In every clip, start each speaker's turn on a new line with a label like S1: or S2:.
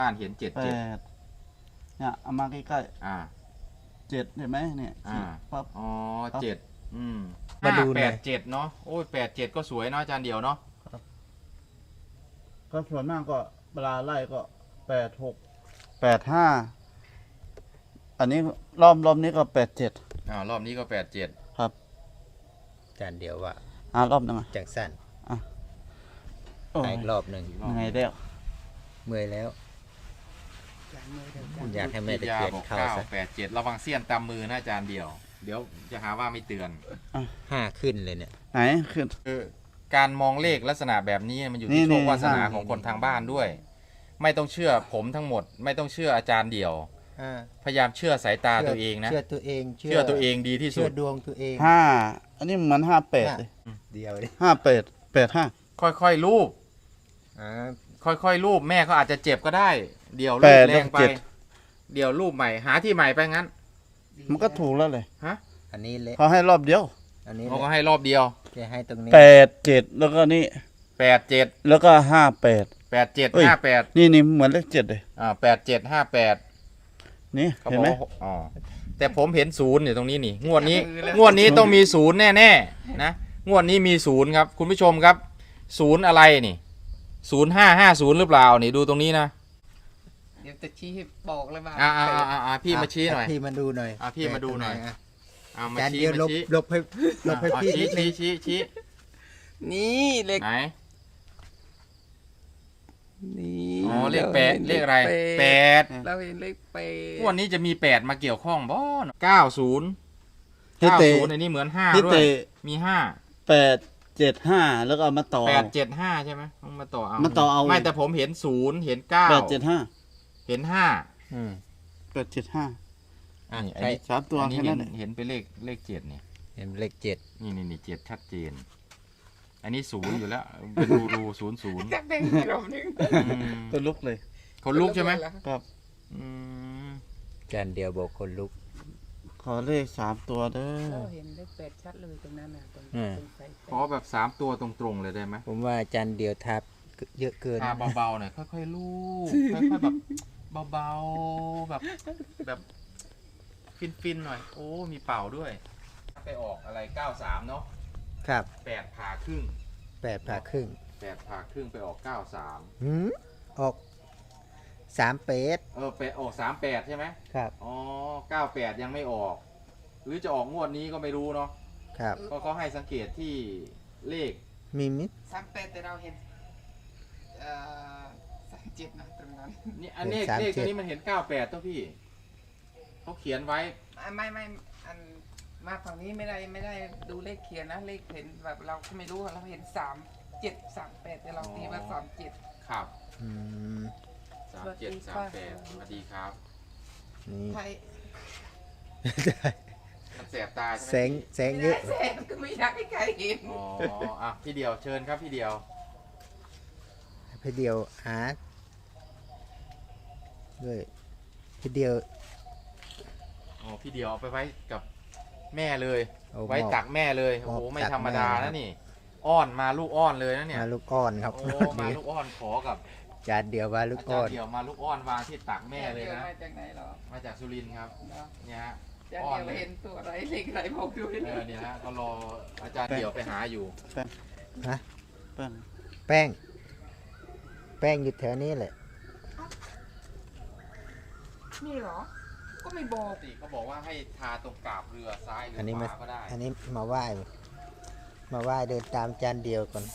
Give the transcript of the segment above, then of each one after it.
S1: บ้านเห็นเจ็ด
S2: แป
S1: เจ็ด
S2: ดเนี่ยเอามาใกล้ๆเจ็ดเห็นไหมเนี่ยปั๊บ
S1: อ๋อเจ็ด
S3: มาดูหน่อย
S1: 587เนาะโอ้ย87ก็สวยเนาะอาจารย์เดียวเนาะ
S2: ก็ส่วนมากก็เวลาไล่ก็86 85อันนี้รอบนี้ก็87
S1: รอบนี้ก็87
S2: ครับ
S3: จานเดียวว่าร
S2: อบนึงอ่ะ
S3: จังสั้น
S2: โอ้ย
S3: อีกรอบหนึ่ง
S2: ยังไงเด้ว
S3: เมื่อยแล้ว อยากให้แม่ตะเคียนเข้าซะ
S1: 987ระวังเสี้ยนตามมือนะอาจารย์เดียวเดี๋ยวจะหาว่าไม่เตือน
S3: 5 ขึ้นเลยเนี่ย
S2: ไหนขึ้น
S1: การมองเลขลักษณะแบบนี้มันอยู่
S2: นี่
S1: ที่โชควาสนา
S2: นี่
S1: ของคนทางบ้านด้วย ไม่ต้องเชื่อผมทั้งหมด ไม่ต้องเชื่ออาจารย์เดียว พยายามเชื่อสายตาตัวเองนะ
S3: เชื่อตัวเอง
S1: เชื่อตัวเองดีที่สุ
S3: เชื่อ
S1: ด
S3: ดวงตัวเอง
S2: อันนี้เหมือน58เลย
S3: เดียวเลย
S2: 85
S1: ค่อยๆรูป
S3: อ่า
S1: ค่อยๆรูปแม่เขาอาจจะเจ็บก็ได้ เดี๋ยวรูป
S2: แปด
S1: แรงไป
S2: เจ็ด
S1: เดี๋ยวรูปใหม่หาที่ใหม่ไปงั้น
S2: มันก็ถูกแล้วเลย
S3: อันนี้เละ
S2: เขาให้รอบเดียว
S3: อันนี้
S1: เขาก็
S3: เละ
S1: ให้รอบเดียว
S3: จะให้ตรงนี้
S2: 87แล้วก็นี่
S1: 87
S2: แล้วก็58
S1: 87
S2: เอ้ย
S1: 58
S2: นี่เหมือนเลข7เลย
S1: 87 58
S2: นี่
S1: เขา
S2: เห็
S1: บ
S2: น
S1: อก
S2: ไหม
S1: ว่าอ๋อแต่ผมเห็นศูนย์อยู่ตรงนี้นี่งวดนี้ต้องมีศูนย์แน่ๆนะงวดนี้มีศูนย์ครับคุณผู้ชมครับศูนย์อะไรนี่0550หรือเปล่านี่ดูตรงนี้นะ
S4: เดี๋ยวจะชี้ให้บอกเลยว่า
S1: พี่มาชี้หน่อย
S3: พี่มาดูหน่อย
S1: พี่มาดูหน่อย
S3: ะ
S1: มา
S3: จาน
S1: ชี้
S3: เดียว
S1: มาชี้
S3: ลบให้พี่นิดนึง
S1: ชี้
S4: นี่เลข
S1: ไหน
S4: นี่
S1: อ๋อเลขแปดเลขอะไรแปด
S4: เราเห็นเลขแปด
S1: งวดนี้จะมี8มาเกี่ยวข้องบ่90
S2: ที่เตะ
S1: 90อันนี้เหมือน5
S2: ที่
S1: ด้วย
S2: เตะ
S1: มี
S2: 875แล้วก็เอามาต่อ
S1: 875ใช่ไหมต้องมาต่อเอา
S2: มาต่อเอา
S1: ไม่แต่ผมเห็น0เห็น9
S2: 875
S1: เห็น5
S3: อืม
S2: 875
S1: อัน
S3: ใช่
S1: นี้
S2: 3 ตัว
S1: อันนี้
S2: แค่นั้นแหละ
S1: เห็นเป็นเลข7เนี่ย
S3: เห็นเลข7
S1: นี่7ชัดเจน อันนี้0อยู่แล้วเป็นรู 00
S4: จักแดงกลมหนึง
S2: ตัวลุกเลย
S1: คนลุกใช่ไหม
S2: ครับ
S1: อืม
S3: จานเดียวบอกคนลุก
S2: ขอเลข3ตัวเด้อ
S4: เราเห็นเลขแปดชัดเลยตรงนั้นนะตรง
S3: อืม
S4: ตรงสายแป
S1: ขอ
S4: ด
S1: แบบ3ตัวตรงๆเลยได้ไหม
S3: ผมว่าจานเดียวทับเยอะเกิน
S1: ทาเบาๆหน่อยค่อยๆลูบค่อยๆแบบเบาๆแบบฟินๆหน่อย โอ้มีเป่าด้วย ไปออกอะไร93เนาะ
S3: ครับ
S1: 8ผ่าครึ่ง
S3: 8 ผ่าครึ่ง
S1: 8ผ่าครึ่งไปออก93
S3: หืมออก3 เป็ด
S1: ไปออก38ใช่ไหม
S3: ครับ
S1: อ๋อ98ยังไม่ออก หรือจะออกงวดนี้ก็ไม่รู้เนาะ
S3: ครับ
S1: ก็เขาให้สังเกตที่เลข
S3: มีมิด
S4: 38แต่เราเห็น37นะตรงนั้น
S1: นี่อันเลขตัวนี้มันเห็น98ตัวพี่เขาเขียนไว้
S4: ไม่อันมาฝั่งนี้ไม่ได้ดูเลขเขียนนะเลขเห็นแบบเราก็ไม่รู้เราเห็น3738แต่เราตีว่า37
S1: ครับ
S3: อืม
S1: 3738สวัสดีครับ
S3: นี่
S4: ไทย
S1: มันแสบตาใช่ไหม
S3: แสงเยอะ
S4: แสงก็ไม่อยากให้ใครเห็น
S1: อ๋อพี่เดียวเชิญครับพี่เดียว
S3: พี่เดียวหาด้วยพี่เดียว
S1: อ๋อพี่เดียวเอาไปไว้กับแม่เลย
S3: เอา
S1: ไว้ตักแม่เลย
S3: ม
S1: โอ้
S3: อบ
S1: โหไม่
S3: ตัก
S1: ธรรมดา
S3: แม่ครั
S1: นะ
S3: บ
S1: นี่ อ้อนมาลูกอ้อนเลยนะเนี่ย
S3: มาลูกอ้อนครับ
S1: โอ้มาลูกอ้อนขอกับ
S3: จานเดียวมาลูก
S1: อาจา
S3: อ้
S1: ร
S3: อน
S1: ย์เดียวมาลูกอ้อนวางที่ตักแม่เลยนะ
S4: มาจากไหนหรอ
S1: มาจากสุรินทร์ครับ
S4: เนาะ
S1: เนี่ยฮะ
S4: จะ
S1: อ้อนเลย
S4: เห็นตัวอะไรเลขอะไรบอกดูดิ
S1: เนี่ยฮะก็รออาจารย์เดียวไปหาอยู่
S3: ฮะ
S2: เปิ้ล
S3: แป้งอยู่แถวนี้แหละ
S4: นี่เหรอ ก็ไม่บอ
S1: ป
S4: ก
S1: กติเขาบอกว่าให้ทาตรงกาบเรือซ้ายหรือ
S3: อันนี้
S1: ข
S3: มาว
S1: าก็ได้
S3: อันนี้มาไหว้เดินตามจานเดียวก่อน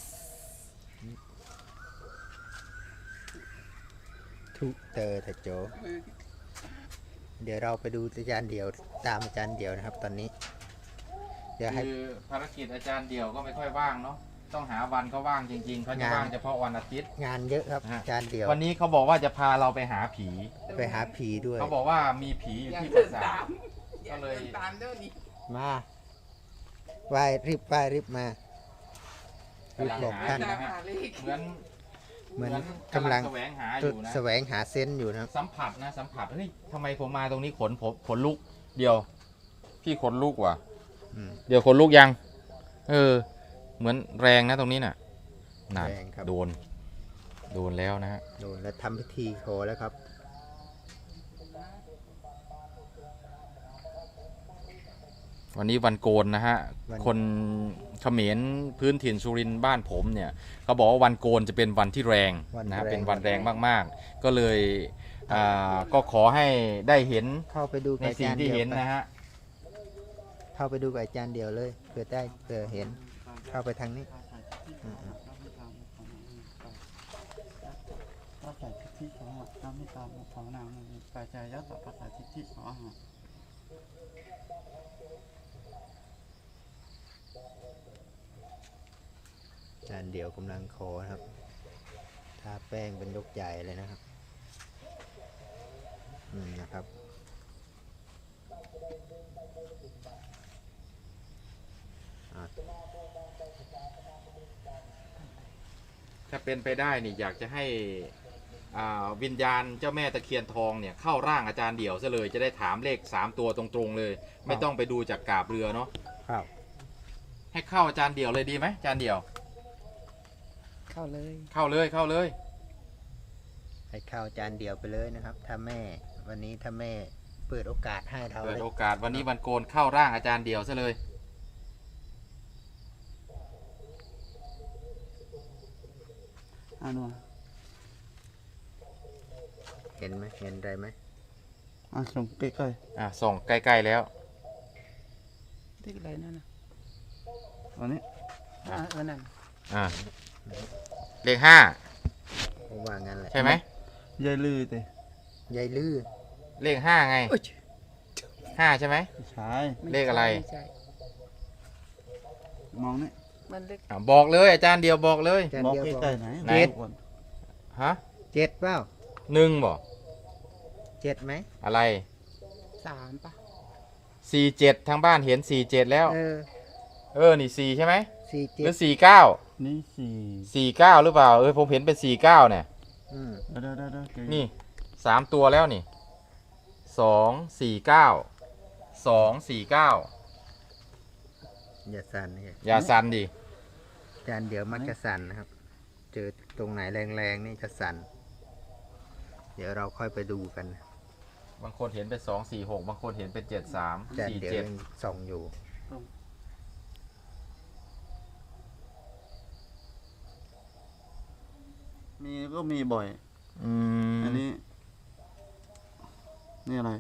S3: ทุเตอร์ทะโจ เดี๋ยวเราไปดูจานเดียวตามจานเดียวนะครับ ตอนนี้ เดี๋ยวให้
S1: คือภารกิจอาจารย์เดียวก็ไม่ค่อยว่างเนาะต้องหาวันเขาว่างจริงๆเขาจะ
S3: งาน
S1: ว่างเฉพาะวันอาทิตย์
S3: งานเยอะครับ
S1: ฮะ
S3: จานเดียว
S1: วันนี้เขาบอกว่าจะพาเราไปหาผี
S3: ไปหาผีด้วย
S1: เขาบอกว่ามีผีอยู่
S4: อย่า
S1: ที่ป
S4: เดิ
S1: ราน สา
S4: ตา
S1: ท
S4: มอย่า
S1: ก็เลย
S4: เดินตามด้วยนี่
S3: มาไหว้รีบมารีบบอกท่าน
S4: ตามหาเลข
S1: เหมือน
S3: เหมือนกำลัง
S1: แสวงหาอยู่นะ
S3: แสวงหาเซนต์อยู่นะครับ
S1: สัมผัสเฮ้ยทำไมผมมาตรงนี้ขนลุกเดียว พี่ขนลุกว่ะ
S3: อืม
S1: เดี๋ยวขนลุกยัง เหมือนแรงนะตรงนี้น่ะนั่น
S3: แรงครับ
S1: โดนโดนแล้วนะฮะ
S3: โดนแล้วทำพิธีขอแล้วครับ
S1: วันนี้วันโกนนะฮะ
S3: วัน
S1: คนเขมรพื้นถิ่นสุรินทร์บ้านผมเนี่ยเขาบอกว่าวันโกนจะเป็นวันที่แรงนะฮะเป็นวันแรงมากๆ ก็เลยก็ขอให้ได้เห็น
S3: เข้าไปดู
S1: ใน
S3: กับอา
S1: สิ่ง
S3: จารย์
S1: ที่
S3: เดียว
S1: เห็น
S3: ไป
S1: นะฮะ
S3: เข้าไปดูกับอาจารย์เดียวเลยเผื่อเห็น เข้าไปทางนี้
S2: ปัจจัยทิฏฐิขอหะน้ำมิตามุขของนางมีปัจจัยยัตถะปัจจัยทิฏฐิขอหะ
S3: อาจารย์เดียวกำลังขอนะครับทาแป้งเป็นยกใหญ่เลยนะครับนะครับ
S1: ถ้าเป็นไปได้นี่อยากจะให้วิญญาณเจ้าแม่ตะเคียนทองเนี่ยเข้าร่างอาจารย์เดี่ยวซะเลยจะได้ถามเลข3ตัวตรงๆเลย ไม่ต้องไปดูจากกาบเรือเนาะ
S3: ครับ
S1: ให้เข้าอาจารย์เดี่ยวเลยดีไหมอาจารย์เดี่ยว
S4: เข้าเลย
S1: เข้าเลยเข้าเลย
S3: ให้เข้าอาจารย์เดียวไปเลยนะครับ ถ้าแม่วันนี้ถ้าแม่เปิดโอกาสให้เรา
S1: เปิด
S3: เลย
S1: โอกาสวันนี้วันโกนเข้าร่างอาจารย์เดี่ยวซะเลย
S2: อ่านัว
S3: เห็นไหมเห็นอะไรไหม
S2: ส่งใกล้
S1: ส่องใกล้ๆแล้ว
S4: ที่อะไรนั่นน่ะ
S2: ๆอันนี้
S4: นั่น
S1: อ่าเลข
S3: ผมว่างั้นแหละ
S1: 5ใช่ไหม
S2: ยายลือเตะ
S3: ยายลือ
S1: เลข5ไง
S4: โอ้ย
S1: 5ใช่ไหม
S2: ใช่
S4: ม่
S1: เลขอะไร
S4: ใช่
S2: มองนี่
S4: มันเลข
S1: บอกเลยอาจารย์เดี่ยวบอกเลย
S3: อาจารย์
S2: บอก
S3: เดียวบอก
S2: ใกล้ๆไหน
S1: ไหน
S2: บอกก่อน
S1: ฮะ
S3: เจ็ดเปล่า
S1: 1บอก
S3: เจ็ดไหม
S1: อะไร
S4: 3ป่ะ
S1: 47ทางบ้านเห็น47แล้ว นี่4ใช่ไหม
S3: สี่
S1: ห
S3: เจ็
S1: รื
S3: ด
S1: อ49
S2: นี่สี่
S1: 49หรือเปล่าผมเห็นเป็น49เนี่ย
S3: อืม
S2: เดี๋ยวเกย
S1: นี่3ตัวแล้วนี่249 249
S3: อย่าสั่นเลย
S1: อย่าสั่นดิ
S3: อาจารย์เดียวมักจะสั่นนะครับ เจอตรงไหนแรงๆนี่จะสั่น เดี๋ยวเราค่อยไปดูกัน
S1: บางคนเห็นเป็น246บางคนเห็นเป็น73
S3: อาจารย์เดียวยังส่องอยู่
S2: มีก็มีบ่อย
S1: 47อืม
S2: อันนี้ นี่อะไร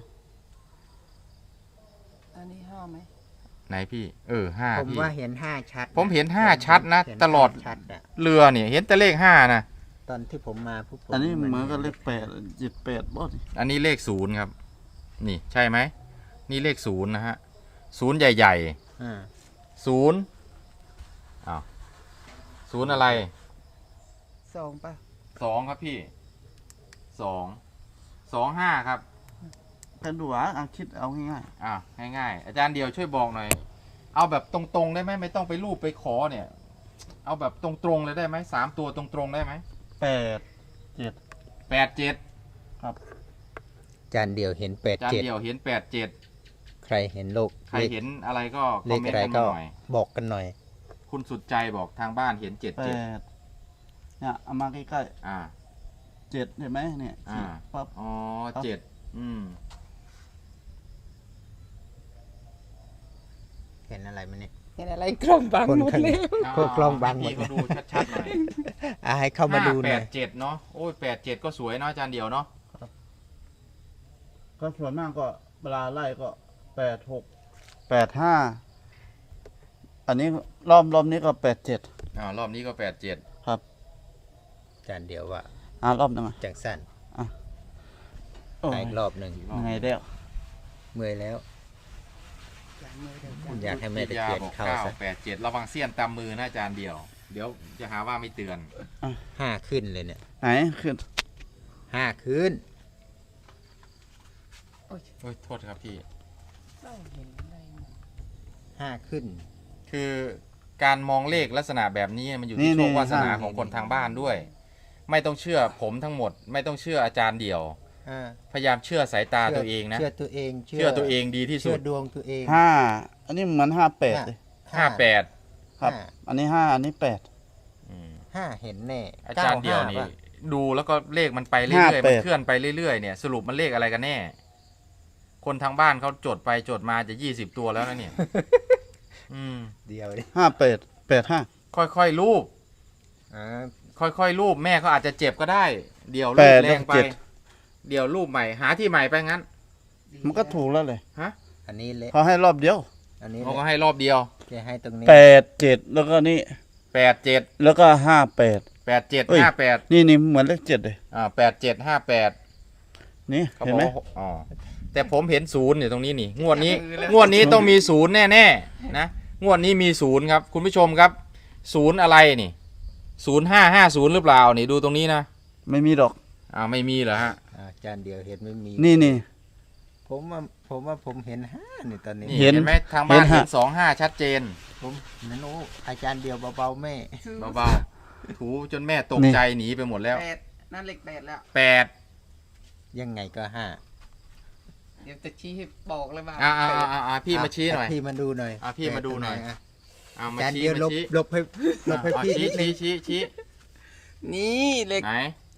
S4: อันนี้5ไหม
S1: ไหนพี่5
S3: ผม
S1: พี่
S3: ว่าเห็นห้าชัด
S1: ผมเห็น5ชัดนะ
S3: เห็น
S1: ตลอด
S3: ห้าชัดอะ
S1: เรือเนี่ยเห็นแต่เลข5นะ
S3: ตอนที่ผมมาปุ๊บผม
S2: อันนี้เหมือนกับเลข8 78บ่ดิ
S1: อันนี้เลข0ครับ นี่ใช่ไหมนี่เลข0นะฮะ0ใหญ่
S3: อ่า
S1: ๆ0อ้าว0อะไร
S4: 2ป่ะ
S1: 2ครับพี่25ครับ
S2: กันดูอ่ะคิดเอาง่าย
S1: ง่ายๆอาจารย์เดียวช่วยบอกหน่อย เอาแบบตรงๆได้ไหมไม่ต้องไปรูปไปขอเนี่ย เอาแบบตรงๆเลยได้ไหม3ตัวตรงๆได้ไหม
S2: ๆ8 7
S1: 87
S2: ครับ
S3: อาจารย์เดียวเห็นแปด
S1: อาจาร
S3: เจ็ด
S1: ย์เดียวเห็น87
S3: ใครเห็นโลก
S1: ใครเห็นอะไรก็ค
S3: เล
S1: อม
S3: ข
S1: เมน
S3: อะไร
S1: ต์กัน
S3: ก็
S1: มาหน่อย
S3: บอกกันหน่อย
S1: คุณสุดใจบอกทางบ้านเห็น77
S2: 8เนี่ยเอามาใกล้
S1: อ่า
S2: ๆ7เห็นไหมเนี่ย
S1: อ่า
S2: ปั๊บ
S1: อ๋อ
S2: ครับ
S1: 7
S3: เห็นอะไรไหมเนี่ย
S4: เห็นอะไรกล้องบัง
S3: คน
S4: หมด
S3: ข้าง
S4: เลย
S3: พวกกล้องบังหมด
S1: พี่เขาดูชัดๆหน่อย
S3: ให้เข้ามาดูหน่อย
S1: 587เนาะโอ้ย87ก็สวยเนาะอาจารย์เดียวเนาะ
S2: ก็ส่วนมากก็เวลาไล่ก็86 85อันนี้รอบนี้ก็87
S1: รอบนี้ก็87
S2: ครับ
S3: อาจารย์เดียวว่า
S2: รอบหนึงอ่ะ
S3: จังสั้น
S2: โอ้ย
S3: อีกรอบหนึ่ง
S2: ยังไงเด้ว
S3: เมื่อยแล้ว อยากให้แม่ตะเคียนเข้าซะ
S1: 87ระวังเสี้ยนตามมือนะอาจารย์เดียว เดี๋ยวจะหาว่าไม่เตือน
S3: ห้าขึ้นเลยเนี่ย
S2: ไหนขึ้น
S3: 5ขึ้น
S1: โอ้ยโทษครับพี่
S4: ไม่เห็นอะไรหมด
S3: 5ขึ้น
S1: คือการมองเลขลักษณะแบบนี้มันอยู่ที่โชควาสนาของคนทางบ้านด้วย ไม่ต้องเชื่อผมทั้งหมด ไม่ต้องเชื่ออาจารย์เดียว พยายามเชื่อสายตาตัวเองนะ
S3: เชื่อตัวเอง
S1: เชื่อตัวเองดีที่สุ
S3: เชื่อ
S1: ด
S3: ดวงตัวเอง
S2: 5อันนี้เหมือน58เลย
S1: 58
S2: ครับ อันนี้5อันนี้8
S1: อืม
S3: ห้าเห็นแน่
S1: อาจารย์เดียวนี่
S3: 95ป่ะ
S1: ดูแล้วก็เลขมันไปเรื่อยๆมันเคลื่อนไปเรื่อยๆเนี่ยสรุปมันเลขอะไรกันแน่คนทางบ้านเขาจดไปจดมาจะ20 ตัวแล้วนะเนี่ย
S3: เดียวดิ
S2: 5885
S1: ค่อยๆรูป
S3: อ่า
S1: ค่อยๆรูปแม่เขาอาจจะเจ็บก็ได้ เดี๋ยวรู
S2: แป
S1: ป
S2: ด
S1: แรงไป
S2: แล้วก็
S1: เดี๋ยวรูปใหม่หาที่ใหม่ไปงั้น
S2: มันก็ถูกแล้วเลย
S1: ฮะ
S3: อันนี้เละ
S2: เขาให้รอบเดียว
S3: อันนี้
S1: เขาก็
S3: เละ
S1: ให้รอบเดียว
S3: จะให้ตรงนี้
S2: 87แล้วก็นี่
S1: 87
S2: แล้วก็58
S1: 87
S2: เอ้ย
S1: 58
S2: นี่เหมือนเลข7เลย
S1: 87 58
S2: นี่
S1: เขา
S2: เห็
S1: บ
S2: น
S1: อก
S2: ไหม
S1: ว่าอ๋อแต่ผมเห็นศูนย์อยู่ตรงนี้นี่งวดนี้ต้องมีศูนย์แน่ๆนะงวดนี้มีศูนย์ครับคุณผู้ชมครับศูนย์อะไรนี่0550หรือเปล่านี่ดูตรงนี้นะ
S2: ไม่มีดอก
S1: ไม่มีเหรอฮะ
S3: อาจารย์เดียวเห็นไม่มี
S2: นี่
S3: ผมว่าผมเห็น5นี่ตอนนี้
S1: นี่
S2: เห็น
S1: เห็นไหมทางบ้าน
S2: เห็นฮะ
S1: เห็น25ชัดเจน
S3: ผมนั่นโอ้อาจารย์เดียวเบาๆแม่
S1: เบาๆถูจนแม่ตกใจหนีไปหมดแล้ว
S4: 8นั่นเลข8แล้ว
S1: 8
S3: ยังไงก็5
S4: เดี๋ยวจะชี้ให้บอกเลยว่า
S1: พี่มาชี้หน่อย
S3: พี่มาดูหน่อย
S1: พี่มาดูหน่อย
S3: ะ
S1: เอา
S3: อา
S1: มา
S3: จารย์
S1: ชี้
S3: เดียว
S1: มาชี้
S3: ลบให้พี่นิดนึง
S1: ชี้
S4: นี่เลข
S1: ไหน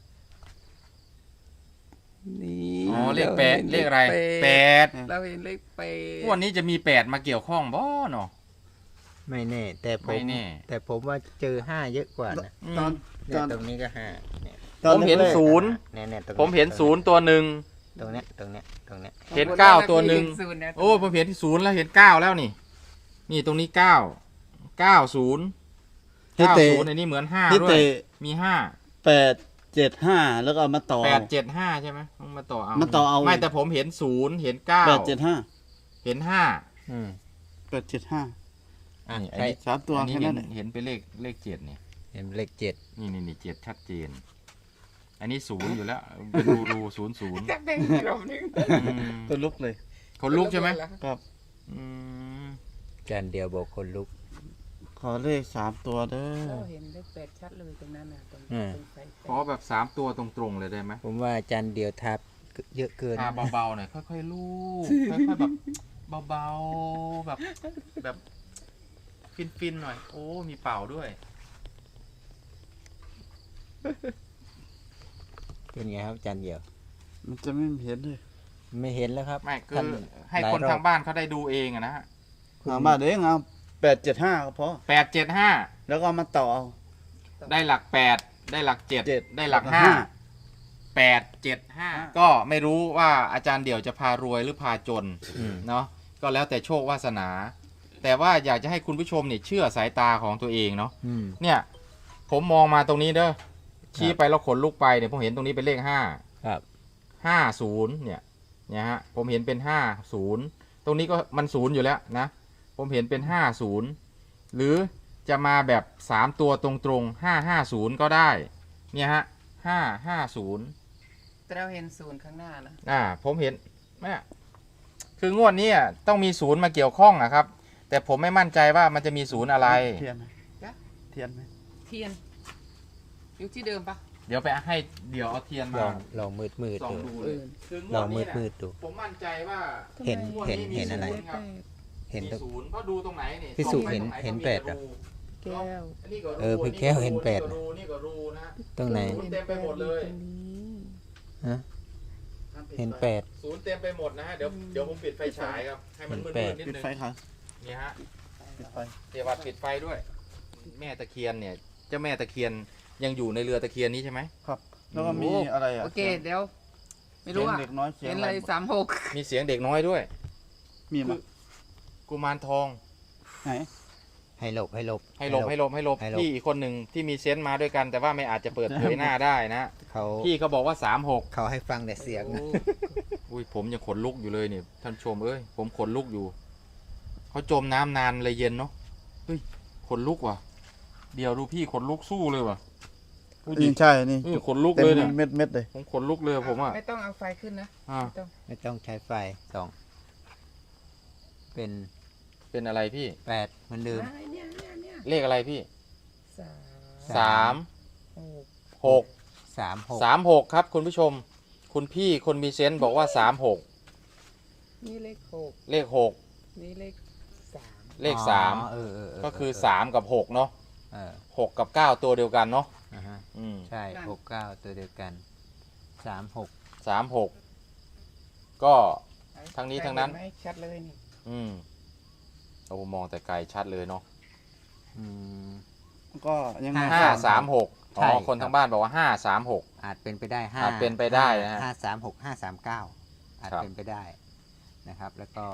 S4: นี่
S1: อ๋อเลข8เลขอะไร8
S4: เราเห็นเลข8
S1: วันนี้จะมี8มาเกี่ยวข้องบ่เนาะ
S3: ไม่แน่ แต่ผ
S1: ไม่
S3: ม
S1: แน่
S3: แต่ผมว่าเจอ5เยอะกว่านะ
S2: ตอน
S3: เนี่ยตรงนี้ก็5เนี่ย
S1: ผมเห็น
S2: แรกๆ
S1: ศูนย์
S3: เนี่ยตรง
S1: ผมเห็นศูนย์ตัวหนึ่ง
S3: ตรงเนี้ย
S1: เห็น9ตัวหนึ่งโอ้ผมเห็นที่ศูนย์แล้วเห็น9แล้วนี่นี่ตรงนี้9 90
S2: ให้เตะ
S1: 90อันนี้เหมือน5
S2: ที่
S1: ด้วย
S2: เตะ
S1: มี
S2: 875แล้วก็เอามาต่อ
S1: 875ใช่ไหมต้องมาต่อเอา
S2: มาต่อเอา
S1: ไม่แต่ผมเห็น0เห็น9
S2: 875
S1: เห็น5
S3: อืม
S2: 875
S1: อัน
S3: ใช่
S1: นี้
S2: 3ตัว
S1: อันนี้
S2: แค่นั้นแหละ
S1: เห็นเป็นเลข7เนี่ย
S3: เห็นเลข7
S1: นี่7ชัดเจน อันนี้0อยู่แล้วเป็นรู 00
S4: จักแดงรอบนึง
S2: ตัวลุกเลย
S1: คนลุกใช่ไหม
S2: ครับ
S1: อืม
S3: อาจารย์เดียวบอกคนลุก
S2: ขอเลข3ตัวเด้อ
S4: เราเห็นเลข8ชัดเลยตรงนั้นน่ะตรง
S3: อืม
S4: ตรงไฟ
S1: ขอแบบ3ตัวตรงๆเลยได้ไหม
S3: ผมว่าอาจารย์เดียวทับเยอะเกิน
S1: ทาเบาๆหน่อยค่อยๆลูบค่อยๆแบบเบาๆแบบฟินๆหน่อย โอ้มีเป่าด้วย
S3: เป็นไงครับอาจารย์เดียว
S2: มันจะไม่เห็นเลย
S3: ไม่เห็นแล้วครับ
S1: ไม่คื
S3: ท่าน
S1: อให้คน
S3: หลยรอบ
S1: ทางบ้านเขาได้ดูเองอะนะฮะ
S2: ถามมาเด้งเอา875ก็พอ
S1: 875
S2: แล้วก็เอามาต่อเอา
S1: ได้หลัก8ได้หลัก7ได้หลัก
S2: แล้ว
S1: 5 ก็ไม่รู้ว่าอาจารย์เดี่ยวจะพารวยหรือพาจน
S3: อืม
S1: เนาะก็แล้วแต่โชควาสนา แต่ว่าอยากจะให้คุณผู้ชมเนี่ยเชื่อสายตาของตัวเองเนาะ
S3: อืม
S1: เนี่ยผมมองมาตรงนี้เด้อชี้ไปแล้วขนลุกไปเนี่ยผมเห็นตรงนี้เป็นเลข5
S3: ครับ
S1: 50เนี่ยฮะผมเห็นเป็น50ตรงนี้ก็มัน0อยู่แล้วนะผมเห็นเป็น50หรือจะมาแบบ3ตัวตรงๆ550ก็ได้เนี่ยฮะ550
S4: แต่เราเห็นศูนย์ข้างหน้านะ
S1: ผมเห็นแม่คืองวดนี้ต้องมีศูนย์มาเกี่ยวข้องนะครับ แต่ผมไม่มั่นใจว่ามันจะมีศูนย์อะไร
S2: เทียนไหมเทียนไหม
S4: เทียน อยู่ที่เดิมปะ
S1: เดี๋ยวไปให้เดี๋ยวเอาเทียน
S3: ล
S1: มา
S3: องมืด
S1: ส่อง
S3: ดู
S1: ดูเลยคือง
S3: ล
S1: ว
S3: อ
S1: ด
S3: ง
S1: นี้
S3: มื
S1: นะ
S3: ดดู
S1: ผมมั่นใจว่า
S3: เห็น
S1: งวดนี้มี
S3: เห็นอะไร
S1: ศูย์ครับ
S3: เห็น
S1: มี
S3: ตรง
S1: ศูนย์เพราะดูตรงไหนนี่
S3: พี่สุ
S1: ส่องไป
S3: เห็น
S1: ตรงไ
S3: แปดเหรอ
S1: ก็มี
S4: แก้ว
S1: อันนี้ก็รู
S3: พี่แก้วเห็นแปด
S1: นี่ก็รูนะ
S3: ตรงไหน
S1: ศูนย์เต็มไปหมดเลย
S4: ตรงนี้
S3: ฮะเห็น8
S1: ศูนย์เต็มไปหมดนะฮะเดี๋ยวผมปิดไฟฉายครับให้มันมืด
S3: เห็น
S1: ๆนิด
S2: ปิด
S1: นึง
S2: ไฟค่ะ
S1: นี่ฮะ
S2: ปิดไฟ
S1: เดี๋ยววัดปิดไฟด้วย แม่ตะเคียนเนี่ยเจ้าแม่ตะเคียนยังอยู่ในเรือตะเคียนนี้ใช่ไหม
S2: ครับ แล้วก็มีอะไรอ่ะ
S4: โอเคเดี๋ยว ไม่รู้
S2: เสีย
S4: อ่ะ
S2: งเด็กน้อยเสีย
S4: เห็
S2: ง
S4: น
S2: อะ
S4: อะไร ไร36
S1: มีเสียงเด็กน้อยด้วย
S2: มีมั้ย
S1: กุมารทอง
S2: ไหน
S3: ให้หลบ
S1: ให้หลบพี่อีกคนหนึ่งที่มีเซนต์มาด้วยกัน แต่ว่าไม่อาจจะเปิดเผยหน้าได้นะ
S3: เขา
S1: พี่เขาบอกว่า36
S3: เขาให้ฟังแต่เสียงนะ
S1: อุ้ยผมยังขนลุกอยู่เลยเนี่ยท่านผู้ชมเอ้ยผมขนลุกอยู่เขาจมน้ำนานเลยเย็นเนาะเฮ้ยขนลุกว่ะเดี๋ยวดูพี่ขนลุกสู้เลยว่ะดูดิ
S2: นี่ใช่นี่
S1: ขนลุก
S2: เต็ม
S1: เลยเนี่ย
S2: เม็ดเลย
S1: ผมขนลุกเลยผมอ่ะ
S4: ไม่ต้องเอาไฟขึ้นนะ
S1: อ่า
S4: ไม่ต้อง
S3: ไม่ต้องใช้ไฟส่องเป็น
S1: เป็นอะไรพี่
S3: 8เหมือนเดิม
S4: เนี่ย
S1: เลขอะไรพี่
S4: สาม
S1: 3 6
S3: 36
S1: 36ครับคุณผู้ชม คุณพี่คนมีเซนต์บอกว่า36
S4: นี่เลข
S1: เลข
S4: 6นี่เลข3
S1: 6 เลข
S3: อ๋อ
S1: 3
S3: เออ
S1: ก็คือ3กับ6เนาะ
S3: เออ
S1: 6กับ9ตัวเดียวกันเนาะ
S3: อ่าฮะ
S1: อืม
S3: ใช่69ตัวเดียวกัน36
S1: 36ก็ทั้งนี้ทั้งนั้น
S4: เห็ไหมชัดเลยนี่
S1: อืมเรามองแต่ไกลชัดเลยเนาะ
S3: อืม
S2: ก็ยังไง
S1: 536อ๋
S3: ใช่
S1: อคน
S3: ครับ
S1: ทางบ้านบอกว่า536
S3: อาจเป็นไปได้5
S1: อาจเป็นไปได้นะฮะ
S3: 536 539อาจ
S1: ครับ
S3: เป็นไปได้นะครับ แล้วก็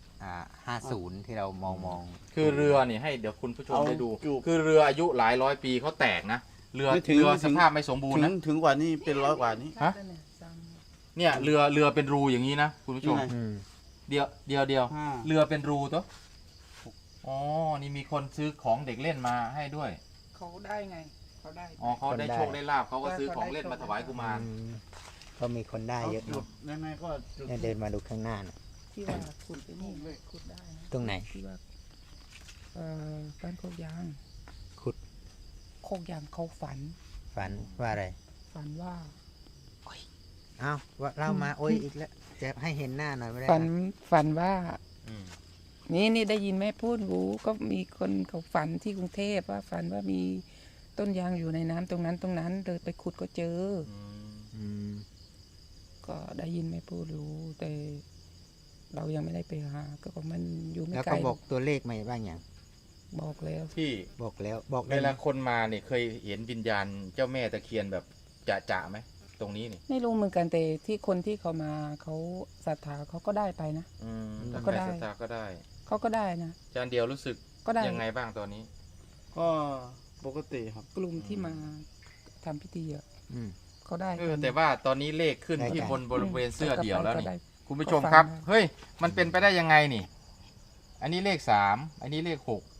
S3: 50ที่เรามอง
S1: คือเรือนี่ให้เดี๋ยวคุณผู้ชม
S2: เอา
S1: ได้ดู
S2: อยู่
S1: คือเรืออายุหลายร้อยปีเขาแตกนะเรือ
S2: ไม่ถึง
S1: เรือ
S2: ไม่ถึ
S1: ส
S2: ง
S1: ภาพไม่สมบูรณ์นะ
S2: ถึงกว่านี้เป็นร้อยกว่านี้
S1: ฮะ
S4: ชัดเลยเนี่ย
S1: เนี่ยเรือเป็นรูอย่างนี้นะคุณผู้ชม
S2: นี่ไง
S3: อืม
S1: เดียว
S2: ห้า
S1: เรือเป็นรูตัวอ๋อนี่มีคนซื้อของเด็กเล่นมาให้ด้วย
S4: เขาได้ไงเขาได้
S1: อ๋อเขาได้โชคได้ลาบเขาก็ซื้อของเล่นมาถวายกุมาร
S3: ก็มีคนได้
S2: เอา
S3: เยอะ
S2: จุด
S3: เนาะ
S2: ยังไงก็จุด
S3: เนี่ยเดินมาดูข้างหน้าน่ะ
S4: ที่ว่าขุดไปนี่เลยขุดได้นะ
S3: ตรงไหน
S4: ที่ว่าบ้านโคกยาง
S3: ขุด
S4: โคกยางเขาฝัน
S3: ฝันว่าอะไร
S4: ฝันว่า
S3: อ้าวว่าเล่ามาโอ้ยอีกแล้วจะให้เห็นหน้าหน่อยไม่ได้
S4: ฝันว่า
S1: อืม
S4: นี่ได้ยินแม่พูดรู้ก็มีคนเขาฝันที่กรุงเทพว่าฝันว่ามีต้นยางอยู่ในน้ำตรงนั้นเดินไปขุดก็เจอ
S1: อืม
S3: อืม
S4: ก็ได้ยินแม่พูดรู้ แต่เรายังไม่ได้ไปหาก็บอกมันอยู่ไม่
S3: แล้ว
S4: ไกล
S3: ก็บอกตัวเลขมาบ้างอย่าง
S4: บอกแล้ว
S1: ที่
S3: บอกแล้วบอก
S1: เว
S3: ได้ไหม
S1: ลาคนมาเนี่ยเคยเห็นวิญญาณเจ้าแม่ตะเคียนแบบจะไหมตรงนี้นี่
S4: ไม่รู้เหมือนกันแต่ที่คนที่เขามาเขาศรัทธาเขาก็ได้ไปนะ
S1: อืม
S4: แล้
S1: ถ้าว
S4: ก็
S1: ใคร
S4: ได้
S1: ศรัทธาก็ได้
S4: เขาก็ได้นะ
S1: อาจารย์เดียวรู้สึก
S4: ก็ได้
S1: ยังไงบ้างตอนนี้
S2: ก็ปกติครับ
S4: กลุ่มที่มาทำพิธีอะ
S3: อืม
S4: เขาได้
S1: แต่ว่าตอนนี้เลขขึ้น
S3: ได้
S1: ที่
S3: กัน
S1: บนบริเวณเสื้อเดี่ยวแล้ว
S4: ก็
S1: นี่
S4: ได้
S1: คุณผู้ชมครับ
S4: ก็ฟังได้
S1: เฮ้ยมันเป็นไปได้ยังไงนี่ อันนี้เลข3อันนี้เลข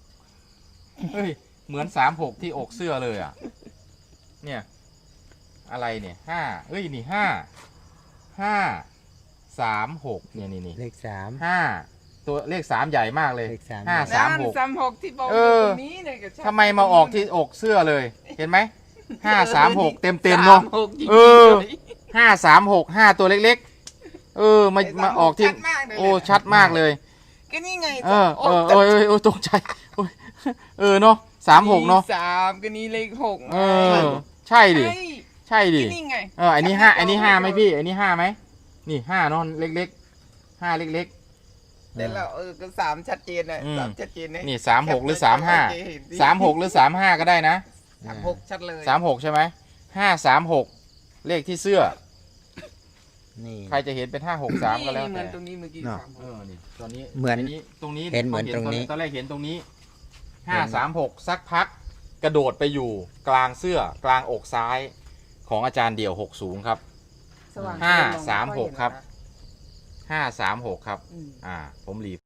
S1: 6เฮ้ยเหมือน36ที่อกเสื้อเลยอ่ะ เนี่ย อะไรเนี่ย5เอ้ยนี่5 3 6เนี่ยนี่
S3: เลข3
S1: 5ตัวเลข3ใหญ่มากเลย
S3: เลข3
S1: ห้า
S4: นั่น36ที่บอก
S1: เอ
S4: อยู่
S1: อ
S4: ตรงนี้เนี่ยก็ใช่
S1: ทำไมมาออกที่อกเสื้อเลย เห็นไหม536เต็มเนาะ
S4: 36จริงๆ
S1: เออ
S4: ลย
S1: 5 ตัวเล็กๆ มาออกที่
S4: ชัดมากเลย
S1: โอ้ชัดมากเลย
S4: ก็นี่ไง
S1: เออตกใจโอ้ยเนาะ36เนาะ
S4: สามก็นี่เลข6
S1: เออใช่ดิ
S4: ใช่
S1: ใช่ดิ
S4: ก็นี่ไง
S1: อันนี้5อันนี้5ไหมพี่ อันนี้5ไหมนี่5เนาะเล็กๆ5เล็ก
S4: แต่เราก็3ชัดเจนนะ
S1: อืม
S4: 3ชัดเจนนะ
S1: ๆนี่36หรือ35 36หรือ35ก็ได้นะ
S4: 36ชัดเลย
S1: 36ใช่ไหม536เลขที่เสื้อ
S3: นี่
S1: ใครจะเห็นเป็น563ก็แล้ว
S4: นี่เหมื
S1: แต่
S4: อนตรงนี้เมื่อกี้
S3: เนาะ
S1: นี่ตอนนี้
S3: เหมือน
S1: ตรงนี้
S3: เห็นเหมือนตรงนี้
S1: ตอนแรกเห็นตรงนี้
S3: เห็น
S1: 536สักพักกระโดดไปอยู่กลางเสื้อกลางอกซ้ายของอาจารย์เดี่ยว60ครับ
S4: สว่าง
S1: ห้า
S4: เกินมองไ
S1: สามหก
S4: อยเน
S1: ครับ
S4: นะ
S1: 536ครับ
S4: อืม
S1: ผมรีบ